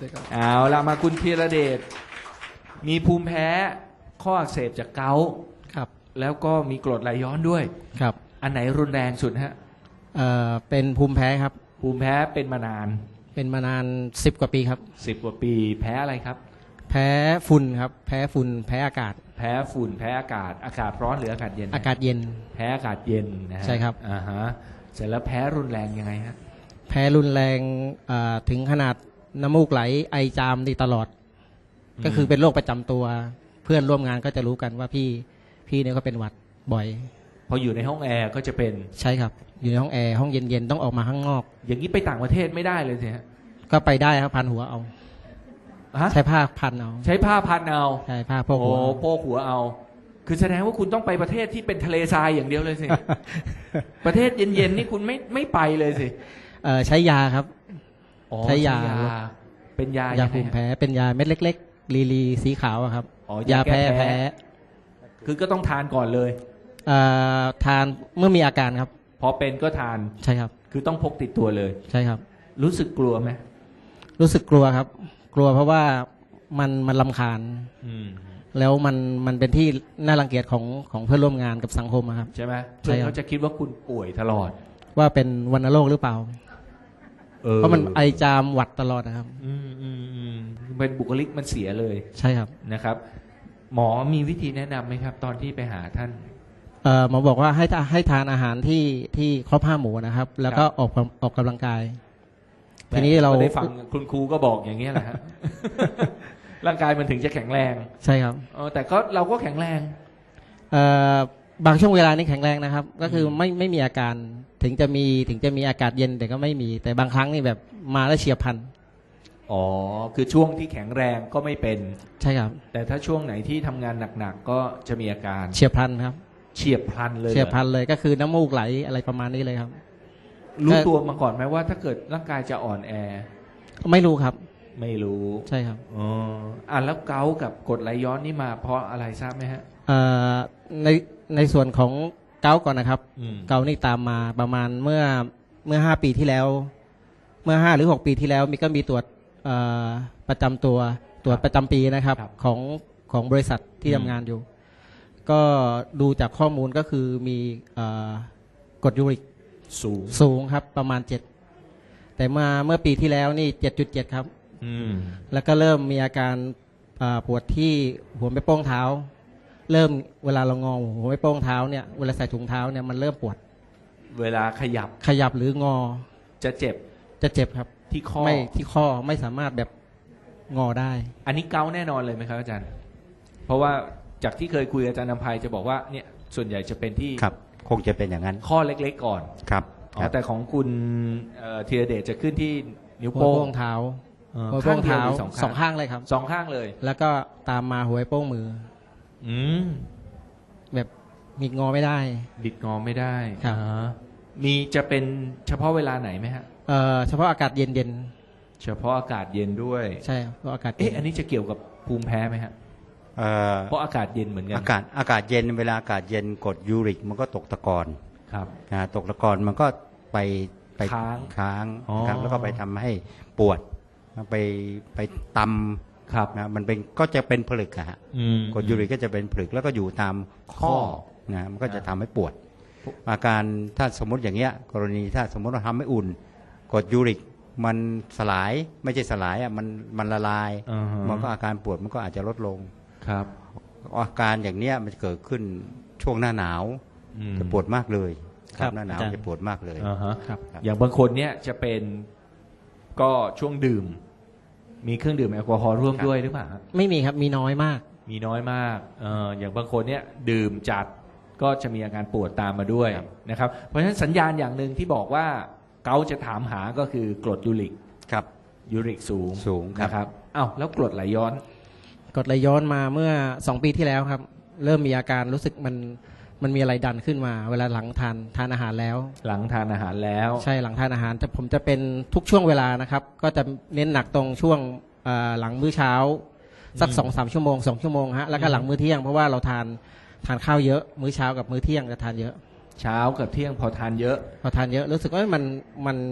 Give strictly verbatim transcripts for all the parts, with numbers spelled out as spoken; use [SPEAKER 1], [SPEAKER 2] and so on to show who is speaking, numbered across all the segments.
[SPEAKER 1] เอาละมาคุณธีรเดชมีภูมิแพ้ข้ออักเสบจากเกาต์
[SPEAKER 2] ครับ
[SPEAKER 1] แล้วก็มีกรดไหลย้อนด้วย
[SPEAKER 2] ครับ
[SPEAKER 1] อันไหนรุนแรงสุดฮะ
[SPEAKER 2] เอ่อเป็นภูมิแพ้ครับ
[SPEAKER 1] ภูมิแพ้เป็นมานาน
[SPEAKER 2] เป็นมานานสิบกว่าปีครับ
[SPEAKER 1] สิบกว่าปีแพ้อะไรครับ
[SPEAKER 2] แพ้ฝุ่นครับแพ้ฝุ่นแพ้อากาศ
[SPEAKER 1] แพ้ฝุ่นแพ้อากาศอากาศร้อนหรืออากาศเย็น
[SPEAKER 2] อากาศเย็น
[SPEAKER 1] แพ้อากาศเย็นนะฮะ
[SPEAKER 2] ใช่ครับ
[SPEAKER 1] อ่าฮะเสร็จแล้วแพ้รุนแรงยังไงฮะ
[SPEAKER 2] แพ้รุนแรงถึงขนาดน้ำมูกไหลไอจามดีตลอดก็คือเป็นโรคประจำตัวเพื่อนร่วมงานก็จะรู้กันว่าพี่พี่เนี่ยก็เป็นหวัดบ่อย
[SPEAKER 1] พออยู่ในห้องแอร์ก็จะเป็น
[SPEAKER 2] ใช่ครับอยู่ในห้องแอร์ห้องเย็นๆต้องออกมาข้างนอก
[SPEAKER 1] อย่างนี้ไปต่างประเทศไม่ได้เลยสิฮะ
[SPEAKER 2] ก็ไปได้ครับพันหัวเอาใช้ผ้าพันเอา
[SPEAKER 1] ใช้ผ้าพันเอา
[SPEAKER 2] ใช่ผ้าโพกหัว
[SPEAKER 1] โอ้โพกหัวเอาคือแสดงว่าคุณต้องไปประเทศที่เป็นทะเลทรายอย่างเดียวเลยสิ ประเทศเย็นๆนี่คุณไม่ไม่ไปเลยสิ
[SPEAKER 2] เออใช้ยาครับใช้ยา
[SPEAKER 1] เป็นยาย
[SPEAKER 2] าภูมิแพ้เป็นยาเม็ดเล็กๆลีลีสีขาวครับยาแพ้แพ้
[SPEAKER 1] คือก็ต้องทานก่อนเลย
[SPEAKER 2] ทานเมื่อมีอาการครับ
[SPEAKER 1] พอเป็นก็ทาน
[SPEAKER 2] ใช่ครับ
[SPEAKER 1] คือต้องพกติดตัวเลย
[SPEAKER 2] ใช่ครับ
[SPEAKER 1] รู้สึกกลัวไหม
[SPEAKER 2] รู้สึกกลัวครับกลัวเพราะว่ามันมันรำคาญแล้วมันมันเป็นที่น่ารังเกียจของของเพื่อนร่วมงานกับสังคมครับ
[SPEAKER 1] ใช่ไหมเพื่อนเขาจะคิดว่าคุณป่วยตลอด
[SPEAKER 2] ว่าเป็นวัณโรคหรือเปล่าเพราะมันไอจามหวัดตลอดนะครับ
[SPEAKER 1] อืมอืมอืมเป็นบุคลิกมันเสียเลย
[SPEAKER 2] ใช่ครับ
[SPEAKER 1] นะครับหมอมีวิธีแนะนำไหมครับตอนที่ไปหาท่าน
[SPEAKER 2] หมอบอกว่าให้ให้ทานอาหารที่ที่ครบห้าหมู่นะครับแล้วก็ออกออกกำลังกายทีนี้เรา
[SPEAKER 1] ได้ฟังคุณครูก็บอกอย่างนี้แหละฮะ ร่างกายมันถึงจะแข็งแรง
[SPEAKER 2] ใช่ครับ
[SPEAKER 1] แต่ก็เราก็แข็งแรง
[SPEAKER 2] บางช่วงเวลานี้แข็งแรงนะครับก็คือไม่ไม่มีอาการถึงจะมีถึงจะมีอากาศเย็นแต่ก็ไม่มีแต่บางครั้งนี่แบบมาแล้วเฉียบพลัน
[SPEAKER 1] อ๋อคือช่วงที่แข็งแรงก็ไม่เป็น
[SPEAKER 2] ใช่ครับ
[SPEAKER 1] แต่ถ้าช่วงไหนที่ทำงานหนักๆก็จะมีอาการ
[SPEAKER 2] เฉียบพลันครับ
[SPEAKER 1] เฉียบพลันเลย
[SPEAKER 2] เฉียบพลันเลยก็คือน้ำมูกไหลอะไรประมาณนี้เลยครับ
[SPEAKER 1] รู้ตัวมาก่อนไหมว่าถ้าเกิดร่างกายจะอ่อนแอ
[SPEAKER 2] ไม่รู้ครับ
[SPEAKER 1] ไม่รู้
[SPEAKER 2] ใช่ครับ
[SPEAKER 1] อ๋ออ่ะแล้วเกาต์กับกรดไหลย้อนนี่มาเพราะอะไรทราบไหมฮะ
[SPEAKER 2] เอ่อในในส่วนของเกาต์ก่อนนะครับเกาต์นี่ตามมาประมาณเมื่อเมื่อห้าปีที่แล้วเมื่อห้าหรือหกปีที่แล้วมีก็มีตรวจประจำตัวตรวจประจำปีนะครับของของบริษัทที่ทำงานอยู่ก็ดูจากข้อมูลก็คือมีกรดยูริก
[SPEAKER 1] สูง
[SPEAKER 2] สูงครับประมาณเจ็ดแต่เมื่อเมื่อปีที่แล้วนี่เจ็ดจุดเจ็ดครับแล้วก็เริ่มมีอาการปวดที่หัวแม่โป้งเท้าเริ่มเวลาเรางอหัวแม่โป้งเท้าเนี่ยเวลาใส่ถุงเท้าเนี่ยมันเริ่มปวด
[SPEAKER 1] เวลาขยับ
[SPEAKER 2] ขยับหรืองอ
[SPEAKER 1] จะเจ็บ
[SPEAKER 2] จะเจ็บครับ
[SPEAKER 1] ที่ข้อ
[SPEAKER 2] ไม่ที่ข้อไม่สามารถแบบงอได้
[SPEAKER 1] อันนี้เกาแน่นอนเลยไหมครับอาจารย์เพราะว่าจากที่เคยคุยอาจารย์นำภัยจะบอกว่าเนี่ยส่วนใหญ่จะเป็นที่
[SPEAKER 3] ครับคงจะเป็นอย่างนั้น
[SPEAKER 1] ข้อเล็กๆก่อน
[SPEAKER 3] ครับ
[SPEAKER 1] แต่ของคุณธีรเดชจะขึ้นที่นิ้วโป้ง
[SPEAKER 2] เท้า
[SPEAKER 1] หัวโป้งเท้า
[SPEAKER 2] สองข้างเลยครับ
[SPEAKER 1] สองข้างเลย
[SPEAKER 2] แล้วก็ตามมาหัวโป้งมือ
[SPEAKER 1] อืม
[SPEAKER 2] แบบบิดงอไม่ได้
[SPEAKER 1] บิดงอไม่ได้
[SPEAKER 2] ครับ
[SPEAKER 1] มีจะเป็นเฉพาะเวลาไหนไหมฮะ
[SPEAKER 2] เออเฉพาะอากาศเย็นเย็น
[SPEAKER 1] เฉพาะอากาศเย็นด้วย
[SPEAKER 2] ใช่เพราะอากาศ
[SPEAKER 1] เอ๊ะอันนี้จะเกี่ยวกับภูมิแพ้ไหมฮะเพราะอากาศเย็นเหมือนกัน
[SPEAKER 3] อากาศอากาศเย็นเวลาอากาศเย็นกรดยูริกมันก็ตกตะกอน
[SPEAKER 1] ครับ
[SPEAKER 3] นะตกตะกอนมันก็ไปไป
[SPEAKER 1] ค้าง
[SPEAKER 3] ค้างครับแล้วก็ไปทำให้ปวดไปไปตำ
[SPEAKER 1] ครับ
[SPEAKER 3] นะมันเป็นก็จะเป็นผลึกอะฮะกรดยูริกก็จะเป็นผลึกแล้วก็อยู่ตามข้อนะมันก็จะทำให้ปวดอาการถ้าสมมติอย่างเงี้ยกรณีถ้าสมมติเราทำให้อุ่นกรดยูริกมันสลายไม่ใช่สลายอ่ะมันมันละลายมันก็อาการปวดมันก็อาจจะลดลง
[SPEAKER 1] ครับ
[SPEAKER 3] อาการอย่างเนี้ยมันจะเกิดขึ้นช่วงหน้าหนาวจะปวดมากเลยครับหน้าหนาวจะปวดมากเลย
[SPEAKER 1] ครับอย่างบางคนเนี้ยจะเป็นก็ช่วงดื่มมีเครื่องดื่มแอลกอฮอล์ร่วมด้วยหรือเปล่า
[SPEAKER 2] ไม่มีครับมีน้อยมาก
[SPEAKER 1] มีน้อยมากเอออย่างบางคนเนี้ยดื่มจัดก็จะมีอาการปวดตามมาด้วยนะครับเพราะฉะนั้นสัญญาณอย่างหนึ่งที่บอกว่าเกาจะถามหาก็คือกรดยูริก
[SPEAKER 3] ครับ
[SPEAKER 1] ยูริกสูง
[SPEAKER 3] สูง
[SPEAKER 1] นะครับอ้าวแล้วกรดไหลย้อน
[SPEAKER 2] กรดไหลย้อนมาเมื่อสองปีที่แล้วครับเริ่มมีอาการรู้สึกมันมันมีอะไรดันขึ้นมาเวลาหลังทานทานอาหารแล้ว
[SPEAKER 1] หลังทานอาหารแล้ว
[SPEAKER 2] ใช่หลังทานอาหารแต่ผมจะเป็นทุกช่วงเวลานะครับก็จะเน้นหนักตรงช่วงหลังมื้อเช้าสักสองสามชั่วโมงสองชั่วโมงฮะแล้วก็หลังมื้อเที่ยงเพราะว่าเราทานทานข้าวเยอะมื้อเช้ากับมื้อเที่ยงจะทานเยอะ
[SPEAKER 1] เช้ากับเที่ยงพอทานเยอะ
[SPEAKER 2] พอทานเยอะรู้สึกว่ามันมัน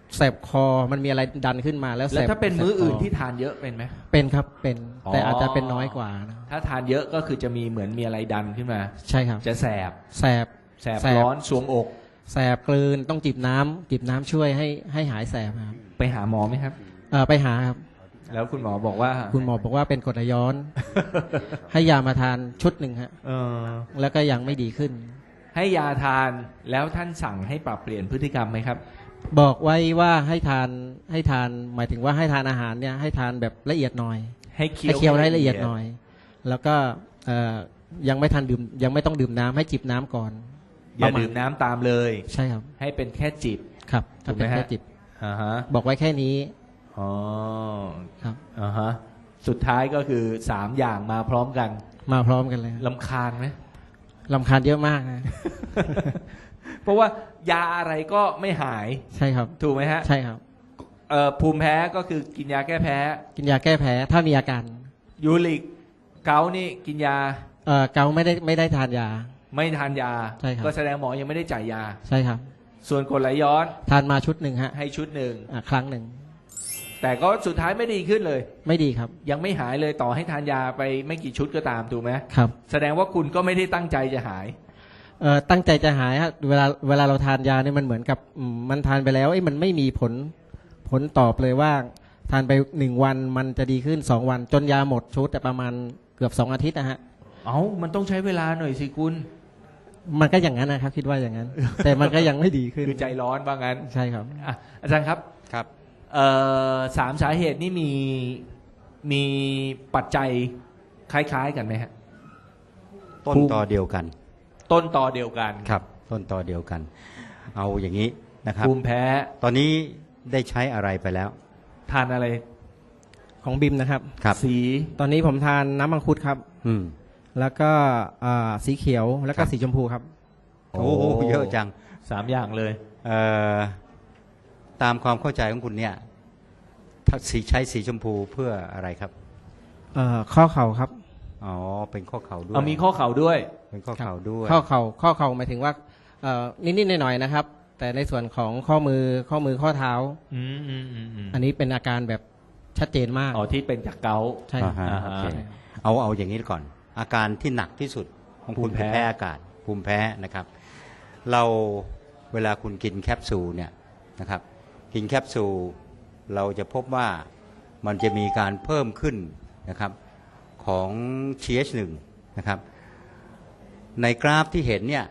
[SPEAKER 2] แสบคอมันมีอะไรดันขึ้นมาแล้ว
[SPEAKER 1] แล้ว
[SPEAKER 2] แสบ
[SPEAKER 1] ถ้าเป็นมื้ออื่น
[SPEAKER 2] แสบค
[SPEAKER 1] ที่ทานเยอะเป็นไหม
[SPEAKER 2] เป็นครับเป็น
[SPEAKER 1] อ๋อ
[SPEAKER 2] แต่อาจจะเป็นน้อยกว่านะ
[SPEAKER 1] ถ้าทานเยอะก็คือจะมีเหมือนมีอะไรดันขึ้นมา
[SPEAKER 2] ใช่ครับ
[SPEAKER 1] จะแสบ
[SPEAKER 2] แสบ
[SPEAKER 1] แสบ
[SPEAKER 2] แสบ
[SPEAKER 1] ร้อนสวงอก
[SPEAKER 2] แสบกลืนต้องจิบน้ำจิบน้ำช่วยให้ให้หายแสบครับ
[SPEAKER 1] ไปหาหมอไหมครับ
[SPEAKER 2] เอ่อไปหาครับ
[SPEAKER 1] แล้วคุณหมอบอกว่า
[SPEAKER 2] คุณหมอบอกว่าเป็นกรดไหลย้อน ให้ยามาทานชุดหนึ่งฮะ
[SPEAKER 1] เออ
[SPEAKER 2] แล้วก็ยังไม่ดีขึ้น
[SPEAKER 1] ให้ยาทานแล้วท่านสั่งให้ปรับเปลี่ยนพฤติกรรมไหมครับ
[SPEAKER 2] บอกไว้ว่าให้ทานให้ทานหมายถึงว่าให้ทานอาหารเนี่ยให้ทานแบบละเอียดหน่อย
[SPEAKER 1] ให้เคี้
[SPEAKER 2] ให้
[SPEAKER 1] ยว
[SPEAKER 2] เคี้ยวให้ละเอียดหน่อย แล้วก็เอ่อยังไม่ทันดื่มยังไม่ต้องดื่มน้ำให้จิบน้ำก่อน
[SPEAKER 1] อย่า
[SPEAKER 2] ประมณ
[SPEAKER 1] ดื่มน้ำตามเลย
[SPEAKER 2] ใช่ครับ
[SPEAKER 1] ให้เป็นแค่จิบ
[SPEAKER 2] ครับ
[SPEAKER 1] ถูกไหม
[SPEAKER 2] เป็นแค่
[SPEAKER 1] ฮะ
[SPEAKER 2] จิบ
[SPEAKER 1] อ่าฮะ
[SPEAKER 2] บอกไว้แค่นี้
[SPEAKER 1] อ๋อ
[SPEAKER 2] ครับ
[SPEAKER 1] อ่าฮะสุดท้ายก็คือสามอย่างมาพร้อมกัน
[SPEAKER 2] มาพร้อมกันเลย
[SPEAKER 1] ลำคาญไหม
[SPEAKER 2] ลำคาญเยอะมากนะ
[SPEAKER 1] เพราะว่ายาอะไรก็ไม่หาย
[SPEAKER 2] ใช่ครับ
[SPEAKER 1] ถูกไหมฮะ
[SPEAKER 2] ใช่ครับ
[SPEAKER 1] เอ่อภูมิแพ้ก็คือกินยาแก้แพ้
[SPEAKER 2] กินยาแก้แพ้ถ้ามีอาการ
[SPEAKER 1] ยูริกเกาต์นี่กินยา
[SPEAKER 2] เอ่อเกาไม่ได้ไม่ได้ทานยา
[SPEAKER 1] ไม่ทานยา
[SPEAKER 2] ใช่ครับ
[SPEAKER 1] ก็แสดงหมอยังไม่ได้จ่ายยา
[SPEAKER 2] ใช่ครับ
[SPEAKER 1] ส่วนกรดไหลย้อน
[SPEAKER 2] ทานมาชุดหนึ่งฮะ
[SPEAKER 1] ให้ชุดหนึ่ง
[SPEAKER 2] อ่ะครั้งหนึ่ง
[SPEAKER 1] แต่ก็สุดท้ายไม่ดีขึ้นเลย
[SPEAKER 2] ไม่ดีครับ
[SPEAKER 1] ยังไม่หายเลยต่อให้ทานยาไปไม่กี่ชุดก็ตามถูกไหม
[SPEAKER 2] ครับ
[SPEAKER 1] แสดงว่าคุณก็ไม่ได้ตั้งใจจะหาย
[SPEAKER 2] เอ่อตั้งใจจะหายฮะเวลาเวลาเราทานยาเนี่ยมันเหมือนกับอืมมันทานไปแล้วไอ้ยมันไม่มีผลผลตอบเลยว่า ทานไปหนึ่งวันมันจะดีขึ้นสองวัน จนยาหมดชุดแต่ประมาณเกือบสองอาทิตย์นะฮะ
[SPEAKER 1] เอ้ามันต้องใช้เวลาหน่อยสิคุณ
[SPEAKER 2] มันก็อย่างนั้นนะครับ คิดว่าอย่างนั้น แต่มันก็ยังไม่ดีขึ้น
[SPEAKER 1] คือใจร้อนว่างั้น
[SPEAKER 2] ใช่ครับ
[SPEAKER 1] อ่ะอาจารย์ครับ
[SPEAKER 3] ครับ
[SPEAKER 1] เอ่อสามสาเหตุนี่มีมีปัจจัยคล้ายๆกันไหมฮะ
[SPEAKER 3] ต้นตอเดียวกัน
[SPEAKER 1] ต้นตอเดียวกัน
[SPEAKER 3] ครับ ต้นตอเดียวกัน เอาอย่างนี้นะครับ
[SPEAKER 1] ภูมิแพ้
[SPEAKER 3] ตอนนี้ได้ใช้อะไรไปแล้ว
[SPEAKER 1] ทานอะไร
[SPEAKER 2] ของบิมนะครับ
[SPEAKER 3] ครับ
[SPEAKER 1] สี
[SPEAKER 2] ตอนนี้ผมทานน้ำมังคุดครับ
[SPEAKER 3] อืม
[SPEAKER 2] แล้วก็อ่าสีเขียวแล้วก็
[SPEAKER 3] ครับ
[SPEAKER 2] สีชมพูครับ
[SPEAKER 3] โอ้โหเยอะจัง
[SPEAKER 1] สามอย่างเลย
[SPEAKER 3] เอ่อตามความเข้าใจของคุณเนี่ยถ้าสีใช้สีชมพูเพื่ออะไรครับ
[SPEAKER 2] เอ่อข้อเข่าครับ
[SPEAKER 3] อ๋อ เป็นข้อเข่าด้วย
[SPEAKER 1] เอามีข้อเข่าด้วย
[SPEAKER 3] เป็นข้อเข่าด้วย
[SPEAKER 2] ข้อเข่าข้อเข่าหมายถึงว่าเอ่อนิดๆหน่อยๆนะครับ แต่ในส่วนของข้อมือข้อมือข้อเท้า
[SPEAKER 1] อืมอืมอืมอืม
[SPEAKER 2] อันนี้เป็นอาการแบบชัดเจนมาก
[SPEAKER 1] อ๋อที่เป็นจากเกาต์
[SPEAKER 2] ใช่ครับ
[SPEAKER 3] อ่าฮะ
[SPEAKER 1] อ่าฮะ
[SPEAKER 3] โอเคเอาเอาอย่างนี้ก่อน อาการที่หนักที่สุดของคุณ
[SPEAKER 1] ภูมิแพ้
[SPEAKER 3] คือแพ้อากาศ ภูมิแพ้นะครับ เราเวลาคุณกินแคปซูลเนี่ยนะครับ กินแคปซูลเราจะพบว่ามันจะมีการเพิ่มขึ้นนะครับของ ที เอช หนึ่ง นะครับ ในกราฟที่เห็นเนี่ย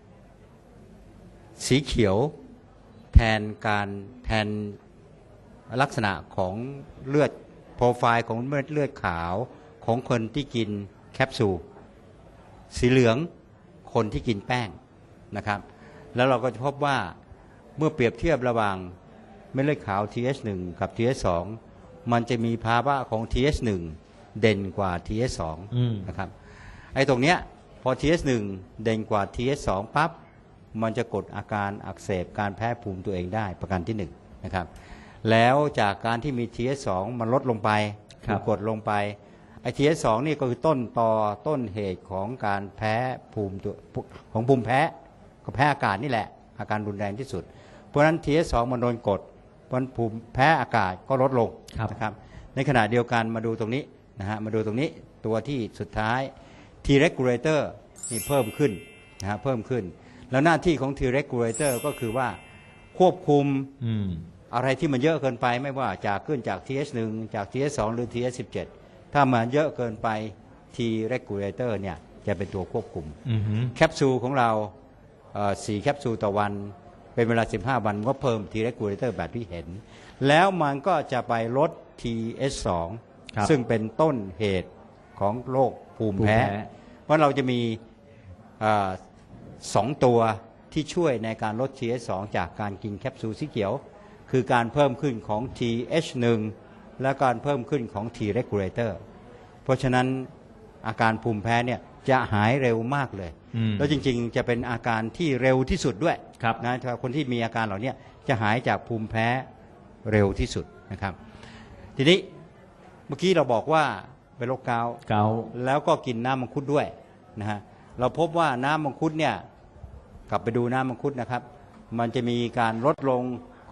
[SPEAKER 3] สีเขียวแทนการแทนลักษณะของเลือดโปรไฟล์ของเม็ดเลือดขาวของคนที่กินแคปซูลสีเหลืองคนที่กินแป้งนะครับ แล้วเราก็จะพบว่าเมื่อเปรียบเทียบระหว่างเม็ดเลือดขาว ที เอช หนึ่ง กับ ที เอช สอง มันจะมีภาวะของ ที เอช หนึ่ง เด่นกว่า ที เอช สอง
[SPEAKER 1] อืม
[SPEAKER 3] นะครับไอ้ตรงเนี้ยพอ ที เอช หนึ่ง เด่นกว่า ที เอช สอง ปั๊บมันจะกดอาการอักเสบการแพ้ภูมิตัวเองได้ประการที่หนึ่งนะครับแล้วจากการที่มี ที เอช สอง มันลดลงไป
[SPEAKER 1] ครับ
[SPEAKER 3] ถูกกดลงไปไอ้ ที เอช สอง นี่ก็คือต้นตอต้นเหตุของการแพ้ภูมิตัวของภูมิแพ้ก็แพ้อากาศนี่แหละอาการรุนแรงที่สุด เพราะฉะนั้น ที เอช สอง มันโดนกดเพราะฉะนั้นภูมิแพ้อากาศก็ลดลง
[SPEAKER 1] ครับ
[SPEAKER 3] นะครับในขณะเดียวกันมาดูตรงนี้นะฮะมาดูตรงนี้ตัวที่สุดท้าย T regulator นี่เพิ่มขึ้นนะฮะเพิ่มขึ้น แล้วหน้าที่ของ T regulator ก็คือว่าควบคุม
[SPEAKER 1] อืม
[SPEAKER 3] อะไรที่มันเยอะเกินไปไม่ว่าจากขึ้นจาก ที เอช หนึ่ง จาก ที เอช สอง หรือ ที เอช สิบเจ็ด ถ้ามันเยอะเกินไป T regulator เนี่ยจะเป็นตัวควบคุม
[SPEAKER 1] อืมฮึ
[SPEAKER 3] แคปซูลของเราเอ่อสี่แคปซูลต่อวันเป็นเวลาสิบห้าวันก็เพิ่ม T regulator แบบที่เห็น แล้วมันก็จะไปลด ที เอช สอง
[SPEAKER 1] ครับ
[SPEAKER 3] ซึ่งเป็นต้นเหตุของโรคภูมิแพ้
[SPEAKER 1] ภูมิแพ้
[SPEAKER 3] เพราะเราจะมีเอ่อสองตัวที่ช่วยในการลด ที เอช สอง จากการกินแคปซูลสีเขียว คือการเพิ่มขึ้นของ ที เอช หนึ่ง และการเพิ่มขึ้นของ T regulator เพราะฉะนั้นอาการภูมิแพ้เนี่ยจะหายเร็วมากเลย
[SPEAKER 1] อืม
[SPEAKER 3] แล้วจริงๆจะเป็นอาการที่เร็วที่สุดด้วย
[SPEAKER 1] ครับ
[SPEAKER 3] นะถ้าคนที่มีอาการเหล่านี้จะหายจากภูมิแพ้เร็วที่สุดนะครับ ทีนี้เมื่อกี้เราบอกว่าเป็นโรคเกาต์
[SPEAKER 1] เกาต์
[SPEAKER 3] แล้วก็กินน้ำมังคุดด้วยนะฮะเราพบว่าน้ำมังคุดเนี่ยกลับไปดูน้ำมังคุดนะครับ มันจะมีการลดลงข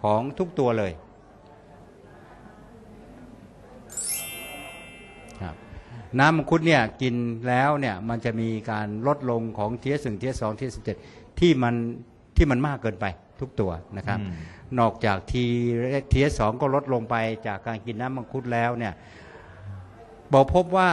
[SPEAKER 3] ของทุกตัวเลยครับน้ำมังคุดเนี่ยกินแล้วเนี่ยมันจะมีการลดลงของ ที เอส หนึ่ง ที เอส สอง ที เอส สิบเจ็ด ที่มันที่มันมากเกินไปทุกตัวนะครับ
[SPEAKER 1] อืม
[SPEAKER 3] นอกจาก T ที เอส สอง ก็ลดลงไปจากการกินน้ำมังคุดแล้วเนี่ยบอกพบว่า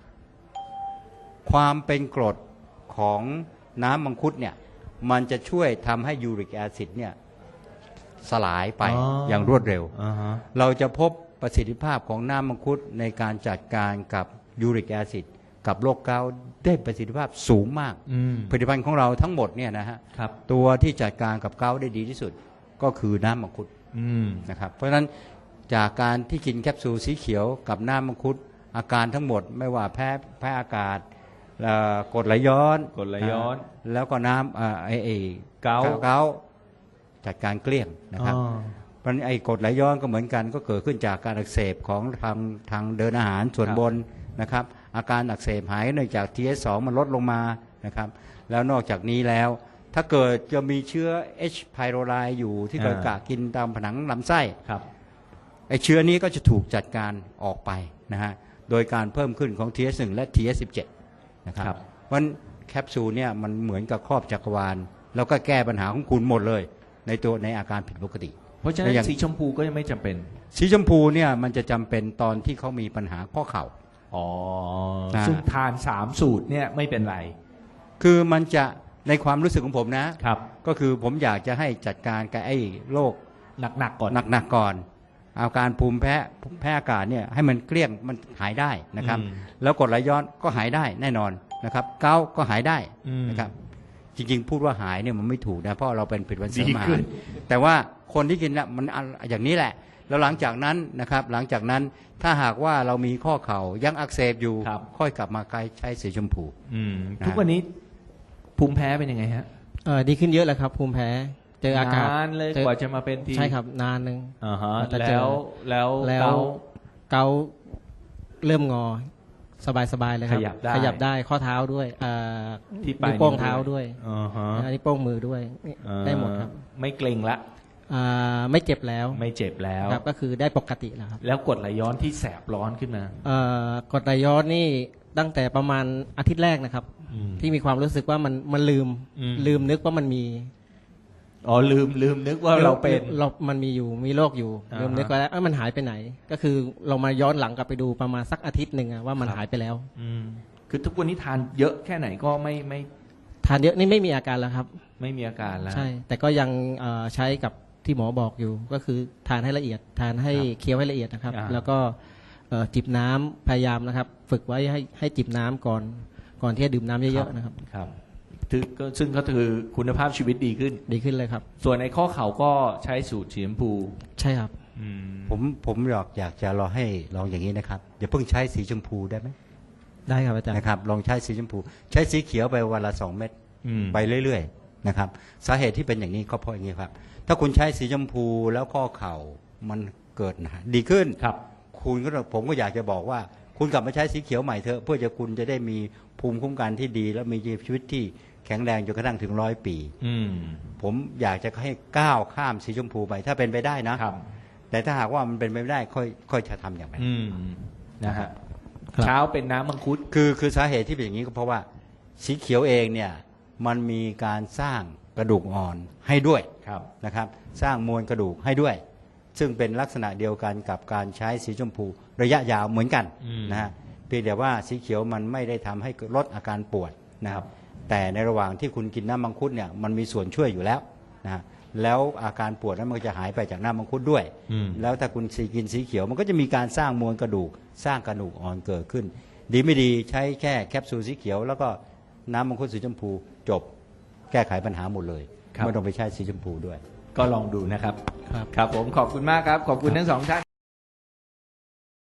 [SPEAKER 3] ความเป็นกรดของน้ำมังคุดเนี่ยมันจะช่วยทำให้ยูริกแอซิดเนี่ยสลายไป
[SPEAKER 1] อ๋อ
[SPEAKER 3] อ
[SPEAKER 1] อย่าง
[SPEAKER 3] รวดเร็ว
[SPEAKER 1] อ่าฮะ
[SPEAKER 3] เราจะพบประสิทธิภาพของน้ำมังคุดในการจัดการกับยูริกแอซิดกับโรคเกาต์ได้ประสิทธิภาพสูงมาก
[SPEAKER 1] อืม
[SPEAKER 3] ผลิตภัณฑ์ของเราทั้งหมดเนี่ยนะฮะ
[SPEAKER 1] ครับ
[SPEAKER 3] ตัวที่จัดการกับเกาต์ได้ดีที่สุดก็คือน้ำมังคุด
[SPEAKER 1] อืม
[SPEAKER 3] นะครับเพราะฉะนั้นจากการที่กินแคปซูลสีเขียวกับน้ำมังคุดอาการทั้งหมดไม่ว่าแพ้แพ้อากาศเอ่อกรดไหลย้อน
[SPEAKER 1] กรดไหลย้อน
[SPEAKER 3] าแล้วก็น้ำเอ่อไอไอ
[SPEAKER 1] เกาต์
[SPEAKER 3] เกาต์จัดการเกลี้ยงนะครับ
[SPEAKER 1] อ๋อ
[SPEAKER 3] เพราะฉะนั้นไอ้กรดไหลย้อนก็เหมือนกันก็เกิดขึ้นจากการอักเสบของทางทางเดินอาหารส่วน
[SPEAKER 1] ครับ
[SPEAKER 3] บนนะครับอาการอักเสบหายเนื่องจาก ที เอส สอง มันลดลงมานะครับแล้วนอกจากนี้แล้วถ้าเกิดจะมีเชื้อ H. pylori อยู่ที่เกิดกะกินตามผนังลำไส้
[SPEAKER 1] ครับ
[SPEAKER 3] ไอ้เชื้อนี้ก็จะถูกจัดการออกไปนะฮะโดยการเพิ่มขึ้นของ ที เอส หนึ่ง และ ที เอส สิบเจ็ด นะครับ
[SPEAKER 1] ครับ
[SPEAKER 3] เพราะฉะนั้นแคปซูลเนี่ยมันเหมือนกับครอบจักรวาลแล้วก็แก้ปัญหาของคุณหมดเลย ในตัวในอาการผิดปกติ
[SPEAKER 1] เพราะฉะนั้
[SPEAKER 3] แล้วอย่าง
[SPEAKER 1] นสีชมพูก็ยังไม่จำเป็น
[SPEAKER 3] สีชมพูเนี่ยมันจะจำเป็นตอนที่เขามีปัญหาข้อเข่า
[SPEAKER 1] อ๋อ
[SPEAKER 3] นะ
[SPEAKER 1] ซึ่งทานสามสูตรเนี่ยไม่เป็นไร
[SPEAKER 3] คือมันจะในความรู้สึกของผมนะ
[SPEAKER 1] ครับ
[SPEAKER 3] ก็คือผมอยากจะให้จัดการกับไอ้โรค
[SPEAKER 1] หนักๆก่อน
[SPEAKER 3] หนักๆก่อน อาการภูมิแพ้แพ้อากาศเนี่ยให้มันเกลี้ยงมันหายได้นะครับ
[SPEAKER 1] อืม
[SPEAKER 3] แล้วกรดไหลย้อนก็หายได้แน่นอนนะครับเกาต์ก็หายได้
[SPEAKER 1] อืม
[SPEAKER 3] นะครับจริงๆ พูดว่าหายเนี่ยมันไม่ถูกนะเพราะเราเป็นผลิตภัณฑ์เสริม
[SPEAKER 1] ดี
[SPEAKER 3] อา
[SPEAKER 1] ขึ้
[SPEAKER 3] หาร
[SPEAKER 1] น
[SPEAKER 3] แต่ว่าคนที่กินน่ะมันอันอย่างนี้แหละ แล้วหลังจากนั้นนะครับหลังจากนั้นถ้าหากว่าเรามีข้อเข่ายังอักเสบอยู่
[SPEAKER 1] ครับ
[SPEAKER 3] ค่อยกลับมาใช้สีชมพู
[SPEAKER 1] อืม
[SPEAKER 3] นะ
[SPEAKER 1] ทุกวันนี้ภูมิแพ้เป็นยังไงฮะ
[SPEAKER 2] เอ่อดีขึ้นเยอะเลยครับภูมิแพ้เจออากาศ
[SPEAKER 1] นานเลย
[SPEAKER 2] จอก
[SPEAKER 1] ว่าจะมาเป็นที
[SPEAKER 2] ใช่ครับนานหนึ่ง
[SPEAKER 1] อ่าฮะ
[SPEAKER 2] แต่เจอ
[SPEAKER 1] แล้วแล้ว
[SPEAKER 2] แล้ว
[SPEAKER 1] เกา
[SPEAKER 2] เกาต์เริ่มงอสบายๆเลยครับ
[SPEAKER 1] ขยับได้
[SPEAKER 2] ขยับได้ข้อเท้าด้วยเอ่อ
[SPEAKER 1] ที่ปลาย
[SPEAKER 2] นิ้วโป้ง
[SPEAKER 1] นิ้ว
[SPEAKER 2] เท้าด้วย
[SPEAKER 1] อ่าฮะ
[SPEAKER 2] อันนี้โป้งมือด้วยนี่
[SPEAKER 1] อ่า
[SPEAKER 2] ได้หมดครับ
[SPEAKER 1] ไม่เกร็งละ
[SPEAKER 2] อ่าไม่เจ็บแล้ว
[SPEAKER 1] ไม่เจ็บแล้ว
[SPEAKER 2] ครับก็คือได้ปกติแล้วครับ
[SPEAKER 1] แล้วกรดไหลย้อนที่แสบร้อนขึ้นมา
[SPEAKER 2] เอ่อกดไหลย้อนนี่ตั้งแต่ประมาณอาทิตย์แรกนะครับ
[SPEAKER 1] อืม
[SPEAKER 2] ที่มีความรู้สึกว่ามันมันลืม
[SPEAKER 1] อืม
[SPEAKER 2] ลืมนึกว่ามันมี
[SPEAKER 1] อ๋อลืมลืมนึกว่าเราเป็น
[SPEAKER 2] เรามันมีอยู่มีโรคอยู่
[SPEAKER 1] อ่าฮะ
[SPEAKER 2] ลืมนึกว่าเอ้ยมันหายไปไหน ก็คือเรามาย้อนหลังกลับไปดูประมาณสักอาทิตย์หนึ่งอะว่ามัน
[SPEAKER 1] ครับ
[SPEAKER 2] หายไปแล้ว
[SPEAKER 1] อืมคือทุกวันนี้ทานเยอะแค่ไหนก็ไม่ไม่
[SPEAKER 2] ทานเยอะนี่ไม่มีอาการแล้วครับ
[SPEAKER 1] ไม่มีอาการแล้ว
[SPEAKER 2] ใช่ แต่ก็ยังเอ่อใช้กับที่หมอบอกอยู่ ก็คือทานให้ละเอียด ทานให้
[SPEAKER 1] ครับ
[SPEAKER 2] เคี้ยวให้ละเอียดนะครับ
[SPEAKER 1] อ่า
[SPEAKER 2] แล้วก็เอ่อจิบน้ำพยายามนะครับ ฝึกไว้ให้ให้จิบน้ำก่อนก่อนที่จะดื่มน้ำเยอะๆนะครับ
[SPEAKER 1] ครับถือก็ซึ่งก็คือคุณภาพชีวิตดีขึ้น
[SPEAKER 2] ดีขึ้นเลยครับ
[SPEAKER 1] ส่วนในข้อเข่าก็ใช้สูตรสีชมพู
[SPEAKER 2] ใช่ครับ
[SPEAKER 1] อืม
[SPEAKER 3] ผมผมอยากอยากจะรอให้ลองอย่างนี้นะครับอย่าเพิ่งใช้สีชมพูได้ไหม
[SPEAKER 2] ได้ครับอาจารย์
[SPEAKER 3] นะครับลองใช้สีชมพู ใช้สีเขียวไปวันละสองเม็ด
[SPEAKER 1] อืม
[SPEAKER 3] ไปเรื่อยๆนะครับสาเหตุที่เป็นอย่างนี้ก็เพราะอย่างนี้ครับถ้าคุณใช้สีชมพูแล้วข้อเข่ามันเกิดหนาดีขึ้น
[SPEAKER 1] ครับ
[SPEAKER 3] คุณก็ผมก็อยากจะบอกว่า คุณกลับมาใช้สีเขียวใหม่เถอะเพื่อจะคุณจะได้มีภูมิคุ้มกันที่ดี และมีชีวิตที่แข็งแรงจนกระทั่งถึงร้อยปี
[SPEAKER 1] อืม
[SPEAKER 3] ผมอยากจะให้ก้าวข้ามสีชมพูไปถ้าเป็นไปได้นะ
[SPEAKER 1] ครับ
[SPEAKER 3] แต่ถ้าหากว่ามันเป็นไปไม่ได้ค่อยค่อยจะทำอย่างไร
[SPEAKER 1] อืมนะฮะ
[SPEAKER 2] ครับ
[SPEAKER 1] เช้าเป็นน้ำมังคุด
[SPEAKER 3] คือคือสาเหตุที่เป็นอย่างนี้ก็เพราะว่าสีเขียวเองเนี่ยมันมีการสร้างกระดูกอ่อนให้ด้วย
[SPEAKER 1] ครับ
[SPEAKER 3] นะครับสร้างมวลกระดูกให้ด้วย ซึ่งเป็นลักษณะเดียวกันกับการใช้สีชมพูระยะยาวเหมือนกัน
[SPEAKER 1] อืม
[SPEAKER 3] นะฮะเพียงแต่ว่าสีเขียวมันไม่ได้ทำให้ลดอาการปวดนะครับแต่ในระหว่างที่คุณกินน้ำมังคุดเนี่ยมันมีส่วนช่วยอยู่แล้วนะฮะแล้วอาการปวดนั้นมันก็จะหายไปจากน้ำมังคุดด้วย
[SPEAKER 1] อืม
[SPEAKER 3] แล้วถ้าคุณสีกินสีเขียวมันก็จะมีการสร้างมวลกระดูก สร้างกระดูกอ่อนเกิดขึ้น ดีไม่ดีใช้แค่แคปซูลสีเขียว แล้วก็น้ำมังคุดสีชมพูจบแก้ไขปัญหาหมดเลย
[SPEAKER 1] ครับ
[SPEAKER 3] ไม่ต้องไปใช้สีชมพูด้วย
[SPEAKER 1] ก็ลองดูนะครับ
[SPEAKER 2] ครับ
[SPEAKER 1] ครับผมขอบคุณมากครับ ขอบคุณทั้งสองท่าน